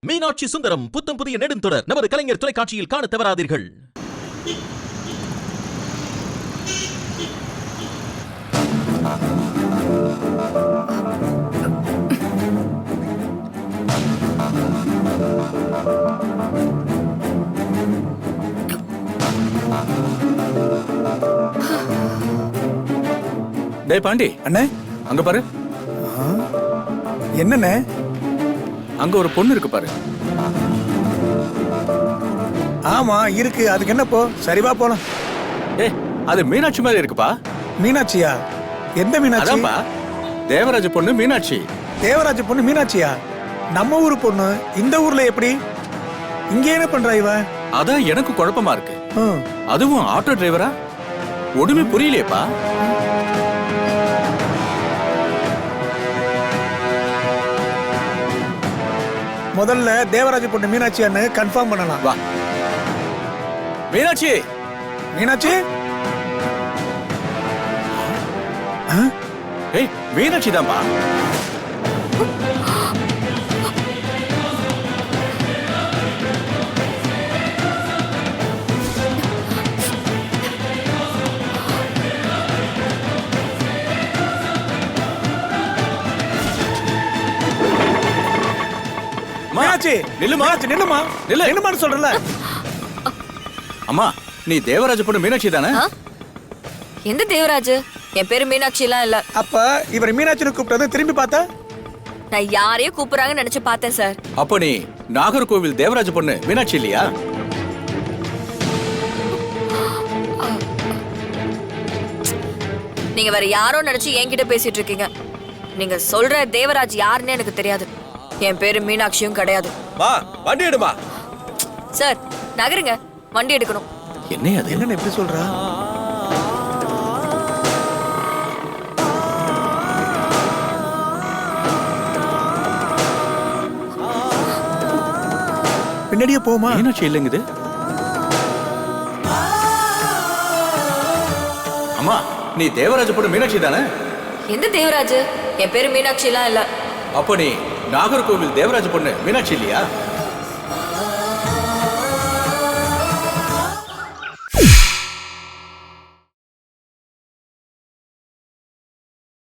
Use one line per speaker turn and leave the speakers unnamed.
மீனாட்சி சுந்தரம் புத்தம் புதிய நெடுந்தொடர் நமது கலைஞர் தொலைக்காட்சியில் காண தவறாதீர்கள்.
டேய் பாண்டி
அண்ணே,
அங்க பாரு.
என்னண்ணே?
அங்க ஒரு பொண்ணு இருக்கு பாரு.
ஆமா இருக்கு, அதுக்கு என்ன போ? சரிவா போலாம்.
ஏய், அது மீனாட்சி மாதிரி இருக்குப்பா.
மீனாட்சியா? எந்த மீனாட்சி?
அதான்ப்பா, தேவராஜ பொண்ணு மீனாட்சி.
தேவராஜ பொண்ணு மீனாட்சியா? நம்ம ஊரு பொண்ணு இந்த ஊர்ல எப்படி? இங்க என்ன பண்றா இவ?
அதான் எனக்கு குழப்பமா இருக்கு.
ம்,
அதுவும் ஆட்டோ டிரைவரா? ஒண்ணுமே புரியலையேப்பா.
முதல்ல தேவராஜ பொண்ணு மீனாட்சியான்னு கன்ஃபார்ம் பண்ணலாம்.
வா மீனாட்சி.
மீனாட்சி?
ஏய், மீனாட்சி தான்ப்பா.
மீனாட்சி
நில்லுமா.
மீனாட்சி நில்லுமா.
நில்லு.
நில்லுமான்னு சொல்றல.
அம்மா, நீ தேவராஜ பொண்ணு மீனாட்சி தானே?
எந்த தேவராஜ்? என் பேரு மீனாட்சி எல்லாம் இல்ல.
அப்ப இவர் மீனாட்சின்னு கூப்பிட்டது திரும்பி பார்த்தா?
நான் யாரையும் கூப்பிடுறாங்கன்னு நினைச்சு பார்த்தேன் சார்.
அப்ப நீ நாகர்கோவில் தேவராஜ பொண்ணு மீனாட்சி இல்லையா?
நீங்க வேற யாரோ நினைச்சு என்கிட்ட பேசிட்டு இருக்கீங்க. நீங்க சொல்ற தேவராஜ் யாருன்னு எனக்கு தெரியாது. என் பேரு மீனாட்சியும் கிடையாது.
வண்டி எடுமா.
சார் நகருங்க, வண்டி எடுக்கணும்.
என்ன அது?
என்னன்னு எப்படி சொல்றா? பின்னாடியே போமா.
மீனாட்சி இல்லைங்குது. அம்மா, நீ தேவராஜ பொண்ணு மீனாட்சி தானே?
எந்த தேவராஜ்? என் பேரு மீனாட்சி எல்லாம் இல்ல.
அப்ப நீ நாகர்கோவில் தேவராஜ பொண்ணு மீனாட்சி இல்லையா?